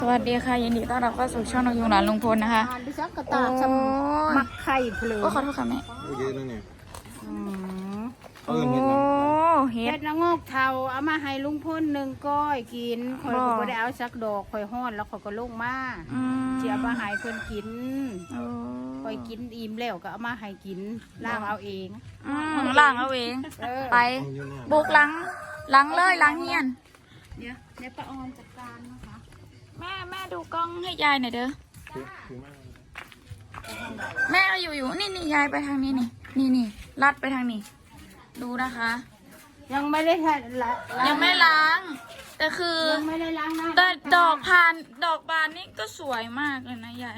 สวัสดีค่ะยินดีต้อนรับเข้าสู่ช่องนกยูงหลานลุงพลนะคะดิฉันกระตากสมักไข่เพลินก็ขอโทษค่ะแม่เยอะแล้วเนี่ยโอ้เฮ็เฮ็ดดละงอกเทาเอามาให้ลุงพ่นหนึ่งก้อยกินข่อยก็บ่ได้เอาสักดอกข่อยฮ้อนแล้วข่อยก็ลงมาเสียมาให้เพิ่นกินข่อยกินอิ่มแล้วก็เอามาให้กินล้างเอาเองล้างเอาเองไปบุกหลังเลยหลังเฮียนเดี๋ยวป้าออนจัดการนะคะแม่ดูกล้องให้ยายหน่อยเด้อแม่เอาอยู่นี่ยายไปทางนี้นี่ลัดไปทางนี้ดูนะคะยังไม่ได้ละยังไม่ล้างแต่คือยังไม่ได้ล้างนะแต่ดอกบานนี่ก็สวยมากเลยนะยาย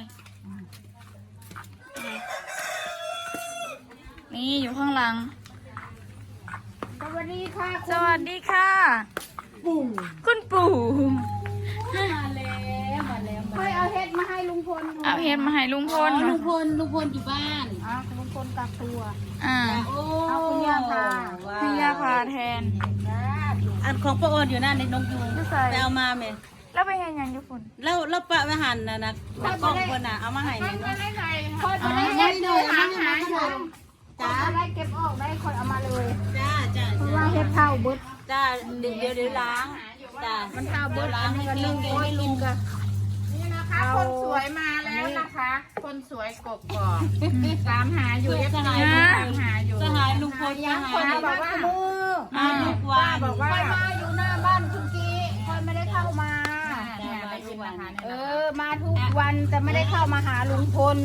นี่อยู่ข้างหลังสวัสดีค่ะสวัสดีค่ะปู่คุณปู่มาแล้วค่อยเอาเฮ็ดมาให้ลุงพลเอาเห็ดมาให้ลุงพลลุงพลอยู่บ้านลุงพลกักตัว เอาคุณย่าพาให้ย่าพาแทนอันของป้าออนอยู่นั่นในนกยูงไม่ใส่ไปเอามาไหมแล้วไปเห็นยังญี่ปุ่นแล้วปะไปหั่นนะกล้องคนน่ะเอามาให้ไหมเนาะค่อยไปได้เฮ็ดเลยหาอยู่จ้าได้เก็บออกได้ค่อยเอามาเลยจ้าเพราะว่าเฮ็ดข้าวเบิดจ้าเดี๋ยวล้างจ้ามันข้าวเบิดล้างให้กันนึ่งก้อยกินกันนี่นะคะคนสวยมาแล้วนะคะ คนสวยกบกอกตามหาอยู่เอฟซีตามหาอยู่สหายลุงพลสหายบอกว่ามือมาทุกวันบอกว่าค่อยมาอยู่หน้าบ้านทุกทีค่อยไม่ได้เข้ามาเนี่ยได้ยินนะคะมาทุกวันแต่ไม่ได้เข้ามาหาลุงพล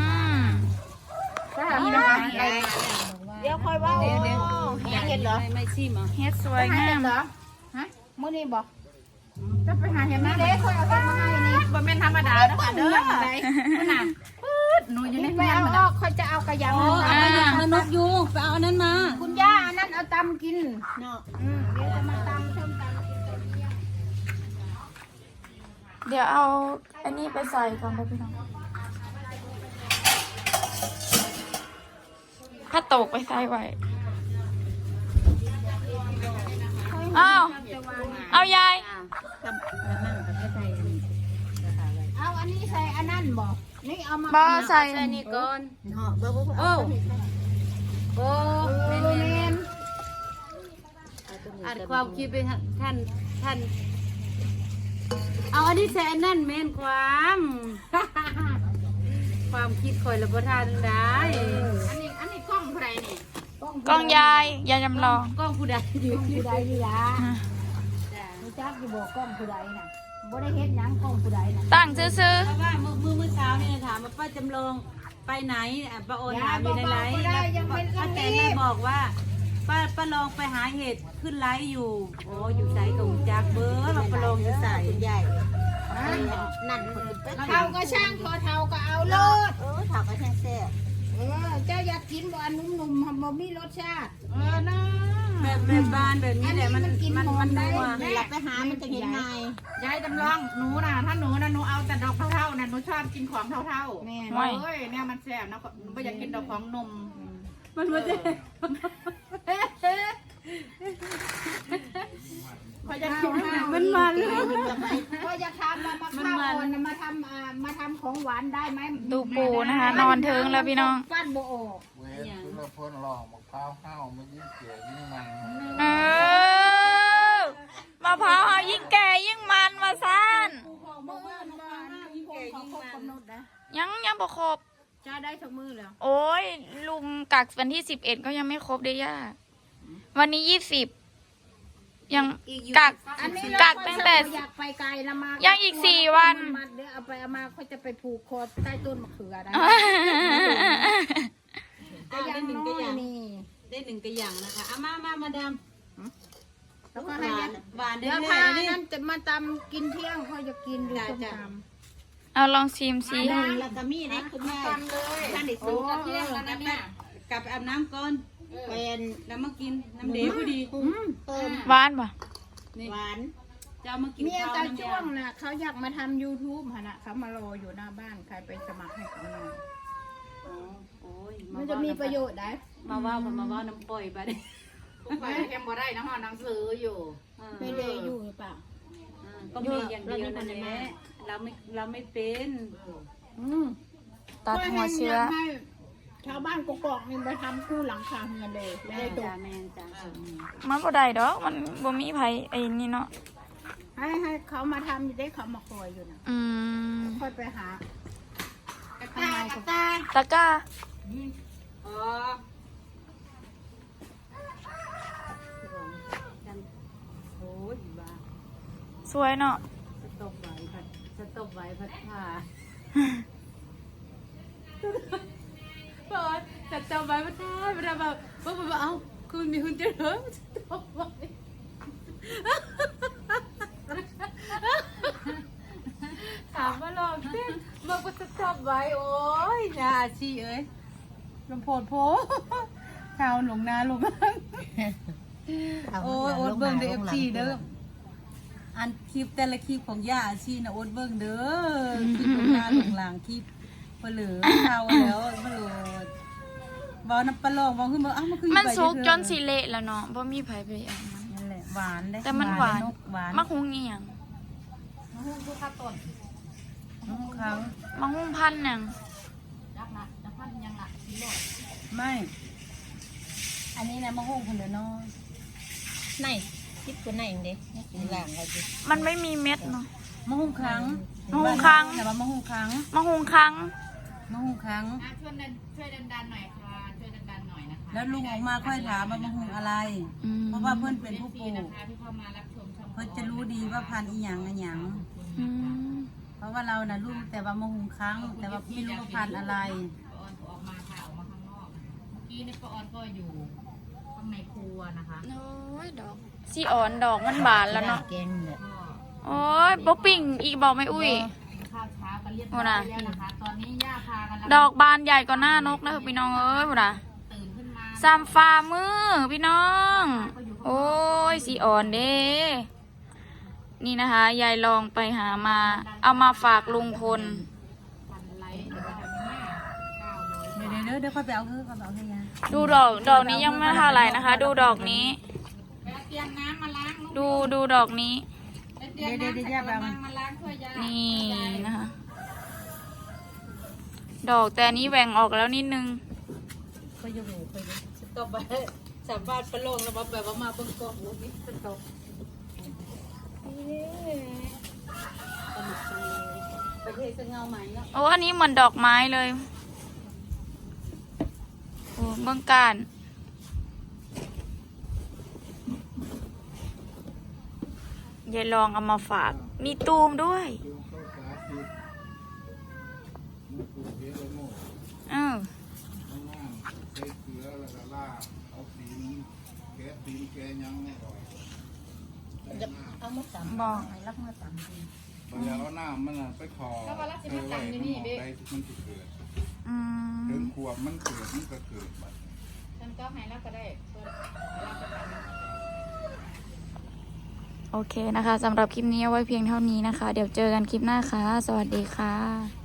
นี่นะคะเดี๋ยวค่อยว่าเห็ดเหรอไม่ชิมอ่ะเฮ็ดสวยงามเหรอฮะมื้อนี้บอกจะไปหาเห็นไหมนี่เด็กค่อยเอาเห็ดมาให้นี่บ่เป็นธรรมดานะคะเด้อไหนน่ะปื๊ดหนูอยู่ในไปเมืองเอามันออกค่อยจะเอากระยังโอ้เอามาอย่างนกยูงไปเอาอันนั้นมาคุณย่าอันนั้นเอาตำกินเนาะเดี๋ยวจะมาตำส้มตำกินกับเมียเดี๋ยวเอาอันนี้ไปใส่ก่อนไปพี่น้องถ้าตกไปใส่ไว้เอายายเอาอันนี้ใส่อันนั้นบอกนี่เอามาบ่ใส่ใส่นี่ก่อนโอ้โอ้เมนอัดความคิดไปท่านเอาอันนี้ใส่อันนั้นเมนความคิดคอยระบบทานได้อันนี้กล้องใครนี่กล้องยายจำลองกล้องผู้ใดอยู่ผู้ใดนี่ล่ะรู้จักอยู่บอกกล้องผู้ใดน่ะบ่ได้เฮ็ดหยังกล้องผู้ใดน่ะตั้งซื้อเพราะว่าเมื่อเช้าเนี่ยถามว่าป้าจำลองไปไหนป้าโอนถามอยู่ในไลฟ์แล้วป้าแตนได้บอกว่าป้าลองไปหาเห็ดขึ้นไลฟ์อยู่โอ้อยู่ใส่กับจากเบอร์เราป้าลองอยู่ใส่ใหญ่นั่นเท่าก็ช่างพอเท่าก็เอาโลดถามว่าแท้แซ่บเจ้าอยากกินบ่อันนุ่มๆบ่มีรสชาตินะแบบบานแบบนี้แหละมันนัวหลับไปหามันจะเห็นไงยายจำลองหนูน่ะถ้าหนูนะหนูเอาแต่ดอกเท่าๆน่ะหนูชอบกินของเท่าๆแม่เฮ้ยเนี่ยมันแซ่บนะหนูไม่อยากกินดอกของนมมันว่าจะพอจะกินมันมันเลยก็อยากทำมาข้าวอ่อนมาทำของหวานได้ไหมๆดูปูนะคะ นอนเทิงแล้วพี่น้องปั้นโบโอเว้ยคุณละพ่นหลอกมะพร้าวข้าวมันยิ่งเสียยิ่งมันมะพร้าวเอายิ่งแก่ยิ่งมันมาซ่าน ยังบ่ครบจ้าได้ทุกมือแล้วโอ้ยลุงกักวันที่11ก็ยังไม่ครบได้ย่าวันนี้20ยังกักตั้งแต่อยากไปไกลละมายังอีก4 วันเดี๋ยวเอาไปเอามาเขาจะไปผูกคอใต้ต้นมะเขือได้ก็ยังน้อยนี่ได้หนึ่งกระอย่างนะคะเอามาดามแล้วก็ให้หวานได้เดี๋ยวเลพาย นั่นจะมาตำกินเที่ยงเขาจะกินดูส้มตำเอาลองชิมสิลาตามี่นะคุณแม่ทำเลยท่านได้สูงกับเที่ยงแล้วนะแม่กลับไปอาบน้ำก่อนเป็นแล้วมากินน้ำเดือดพอดีหวานป่ะหวานจะเอามากินเมียข้าวตาน้ำจ้วงน่ะเขาอยากมาทำ YouTube ฮะนะเขามารออยู่หน้าบ้านใครไปสมัครให้เขาหน่อยโอ้ยมันจะมีประโยชน์ได้มาว่าน้ำปล่อยไปดิไปแคมบ่ได้นะฮะหนังสืออยู่ไม่เลยอยู่หรือเปล่าก็มีอย่างเดียวนั่นแหละเราไม่เป็นตัดหัวเชื้อให้ชาวบ้านกกอกนี่ไปทำคู่หลังคาเงินเลยไม่แม่ได้ตจ้าก แม่จ้ามันบ่ได้ดอกมันบ่มีไผไอ้นี่เนาะให้เขามาทำอยู่ได้เขามาคอยอยู่นะอืมค่อยไปหาตากระตาตะกร้าอ๋อโอ้ยบ้าสวยเนาะสต๊อบไว้พัดผ้าเปิดสต๊อบไว้พัดผ้าเวลาแบบเอ้าคุณมีคุณจะเหรอสต๊อบไว้ถามว่าลองเต้นบอกว่าสต๊อบไว้โอ้ยนาอาชีเอ้ยลำโพดโพชาวหลงนาหลงนั่งโอ้ยโอ๊ตเบิ้งเด้อFGเด้ออันคลิปแต่ละคลิปของย่าอาชีนะโอ๊ตเบิ้งเด้อคลิปหลงนาหลงหลังคลิปเปลือเท่าแล้วมาโหลดบอกน้ำปลาลองบอกขึ้นมาอ้าวมันคือมันสุกจนสิเละแล้วเนาะบ่มีไผไปเอามันนั่นแหละหวานได้แต่มันหวานหวานมะฮุงเอียงน้องครั้งมะฮุงพันธุ์หยังไม่ อันนี้นะมะฮุ่งคนเดียวน้อยไหนคิดตัวไหนเด็กนี่หลังเขาจิมันไม่มีเม็ดเนาะมะฮุ่งครั้งมะฮุ่งครั้งแต่ว่ามะฮุ่งครั้งมะฮุงครั้งมะฮุ่งครั้งช่วยดันหน่อยค่ะช่วยดันหน่อยนะคะแล้วลุงออกมาค่อยถามว่ามะฮุ่งอะไรอืมเพราะว่าเพื่อนเป็นผู้ปลูกที่เข้ามารับชมช่องเพื่อนจะรู้ดีว่าพันธุ์อีหยังอะหยังอืมเพราะว่าเราน่ะรู้แต่ว่ามะฮุ่งครั้ง แต่ว่าไม่รู้ว่าพันธุ์อะไรป้าออนออกมาค่ะออกมาข้างนอกเมื่อกี้นี่ป้าออนก็อยู่ข้างในครัวนะคะโอ้ยดอกสีอ่อนดอกมันบานแล้วเนาะแกงเนี่ยโอ้ยบ่ปิ่งอีกบอกไม่อุ้ยข้าวเช้ากันเรียบร้อยแล้วนะคะตอนนี้ย่าพากันดอกบานใหญ่กว่าหน้านกนะพี่น้องเอ้ยพุ่นน่ะตื่นขึ้นมาสามฝ่ามือพี่น้อง โอ้ยสีอ่อนเด้นี่นะคะ ยายลองไปหามา เอามาฝากลุงพลฟันไลท์นะคะแม่900 เดี๋ยวค่อยไปเอาเถอะค่อยไปเอาเถอะยาดูดอกนี้ยังไม่เท่าไหร่นะคะ ดูดอกนี้ไปเตรียมน้ำมาล้างดูดอกนี้ไปเตรียมน้ำใส่กระมังมาล้างถ้วยยานี่นะคะ ดอกแต่อันนี้แหว่งออกแล้วนิดนึงค่อยยกหูค่อยยกสต๊อบไปสามบาทปลาลงแล้วแบบว่ามาเบิ่งกองลูกนี่สต๊อบประเทศจะเงาไหมเนาะโอ้อันนี้เหมือนดอกไม้เลย โอ้เบื้องการยายลองเอามาฝาก มีตูมด้วยดูเข้าสาธิตมาปลูกเยอะเลยโม่เออข้างล่างใส่เกลือแล้วก็ลาดเอาตีนแกะตีนแกะยังไม่ออกแต่น้ำเอามาตำบอกรับมาตำเวลาเอาน้ำมันน่ะไปขอแล้วก็รักสิไปมาไว้ตำอยู่มันนี่ออกเบ๊ได้มันจะเกิดอืมเดินขวบมันเกิดมันก็เกิดบัดฉันก็ให้แล้วก็ได้เพื่อรับประทานโอเคนะคะสำหรับคลิปนี้เอาไว้เพียงเท่านี้นะคะ เดี๋ยวเจอกันคลิปหน้าค่ะ สวัสดีค่ะ